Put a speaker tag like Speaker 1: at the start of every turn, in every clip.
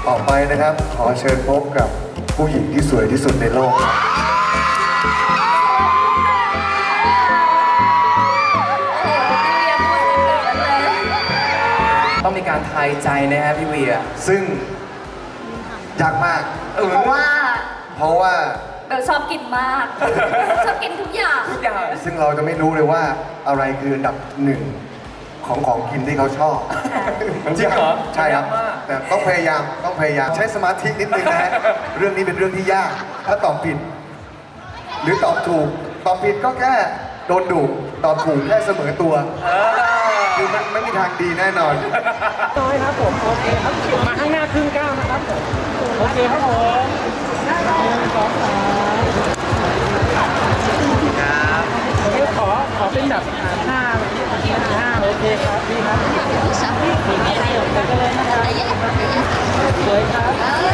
Speaker 1: ต่อไปนะครับขอเชิญพบกับผู้หญิงที่สวยที่สุดในโลก
Speaker 2: ต้องมีการทายใจนะฮะพี่เวีย
Speaker 1: ซึ่งยากมาก
Speaker 3: เพราะว่าเบลชอบกินมากชอบกินทุกอย่าง
Speaker 1: ซึ่งเราจะไม่รู้เลยว่าอะไรคืออันดับหนึ่งของกินที่เขาชอบ
Speaker 2: จริงเหรอ
Speaker 1: ใช่ครับแต่ต้องพยายามใช้สมาธินิดนึงนะฮะเรื่องนี้เป็นเรื่องที่ยากถ้าตอบผิดหรือตอบถูกตอบผิดก็แค่โดนดุตอบถูกแค่เสมอตัวคือมันไม่มีทางดีแน่นอน
Speaker 4: น้อยครับผมโอเคครับมาข้างหน้าครึ่งก้าวนะครับผมโอเคครับผม1 2 3ครับขอเป็นแบบ5โอเคครับพี่ครับไปกันเลยนะครับสวยครับ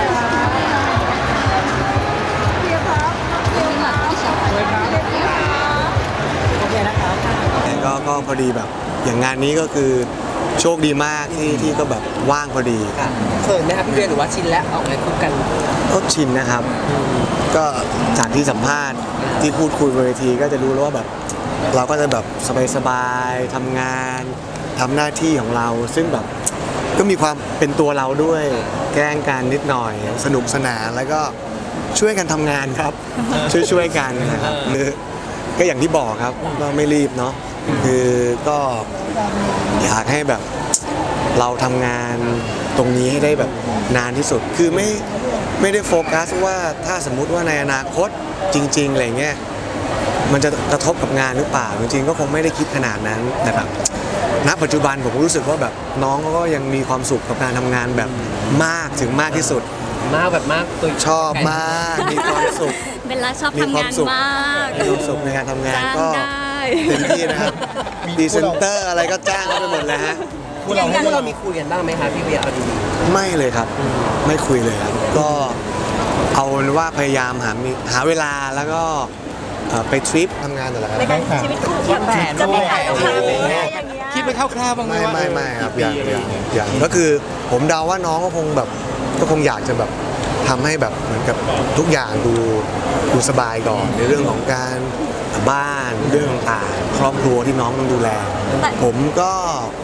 Speaker 5: ก็พอดีแบบอย่างงานนี้ก็คือโชคดีมากที่ก็แบบว่างพอดี
Speaker 2: เขินไหมครับพี่เวียหรือว่าชินแล้วออกงานคู่กัน
Speaker 5: ก็ชินนะครับก็จากที่สัมภาษณ์ที่พูดคุยบนเวทีก็จะรู้แล้วว่าแบบเราก็จะแบบสบายๆทำงานทำหน้าที่ของเราซึ่งแบบก็มีความเป็นตัวเราด้วยแกล้งกันนิดหน่อยสนุกสนานแล้วก็ช่วยกันทำงานครับช่วยกันนะครับก็อย่างที่บอกครับก็ไม่รีบเนาะคือก็อยากให้แบบเราทำงานตรงนี้ให้ได้แบบนานที่สุดคือไม่ได้โฟกัสว่าถ้าสมมุติว่าในอนาคตจริงๆอะไรเงี้ยมันจะกระทบกับงานหรือเปล่าจริงๆก็คงไม่ได้คิดขนาดนั้นแต่แบบณปัจจุบันผมรู้สึกว่าแบบน้องก็ยังมีความสุขกับการทำงานแบบมากถึงมากที่สุด
Speaker 2: แบบมากตัว
Speaker 5: ชอบมากมีความสุข
Speaker 3: เบลล่าชอบทำงานมาก
Speaker 5: มีความสุขในการทำงานก็เต็มที่นะครับดีเซนเตอร์อะไรก็จ้างเขาไปหมดแล้วฮะ
Speaker 2: พวกเรามีคุยกันบ้างไหมคะพี่เวียเอาดี
Speaker 5: ไม่เลยครับไม่คุยเลยครับก็เอาว่าพยายามหาเวลาแล้วก็ไปทริปทำงานแต่ละครั้ง
Speaker 3: ชีวิตคู่คิดแบบจะมีใครเอาไป
Speaker 2: คิดไปคร่าวๆบ้างไหม
Speaker 5: ไม่ครับอย่างก็คือผมเดาว่าน้องก็คงอยากจะแบบทำให้แบบเหมือนกับทุกอย่างดูสบายก่อนในเรื่องของการบ้านเรื่องต่างครอบครัวที่น้องต้องดูแลผมก็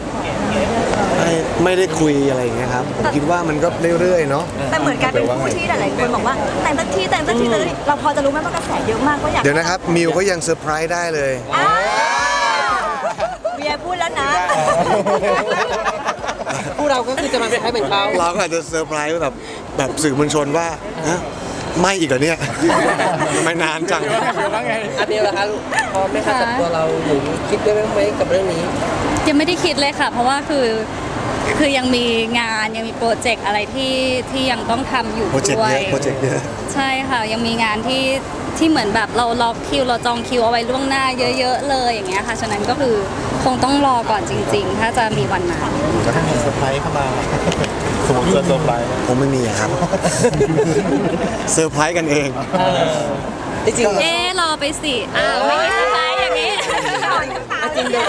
Speaker 5: ไม่ได้คุยอะไรอย่างเงี้ยครับผมคิดว่ามันก็เรื่อยๆเนาะ
Speaker 3: แต่เหมือนกันเป็นคู่ที่หลายๆคนบอกว่าแต่งสักทีเราพอจะรู้ไหมว่ากระแสเยอะมากก็อยาก
Speaker 5: เดี๋ยวนะครับมิวก็ยังเซอร์ไพรส์ได้เลย
Speaker 3: เบียร์พูดแล้วนะ
Speaker 2: พวกเราก็คือจะมาเซอร์ไพรส์เหมือนเขา
Speaker 5: เราก็อาจจะเซอร์ไพรส์แบบสื่อมวลชนว่าไม่อีกเหรอเนี่ยทำไมนานจัง
Speaker 2: อันนี้แหละคะพอไม่คัดกับตัวเราหรือคิดได้ไหมกับเรื่องนี้
Speaker 6: ยังไม่ได้คิดเลยค่ะเพราะว่าคือยังมีงานยังมีโปรเจกต์อะไรที่ยังต้องทำอยู่ด้วย
Speaker 5: โปรเจกต์เยอะ
Speaker 6: ใช่ค่ะยังมีงานที่เหมือนแบบเราล็อกคิวเราจองคิวเอาไว้ล่วงหน้าเยอะๆเลยอย่างเงี้ยค่ะฉะนั้นก็คือคงต้องรอก่อนจริงๆถ้าจะมีวันนั้น
Speaker 1: แล้วถ้ามีเซอร์ไพรส์เข้ามาสมมติเซอร์ไพรส์
Speaker 5: ผมไม่มีครับเซอร์ไพรส์กันเอง
Speaker 6: จริงรอไปสิไม่มีเซอร์ไพรส์อย่างนี้
Speaker 2: จริง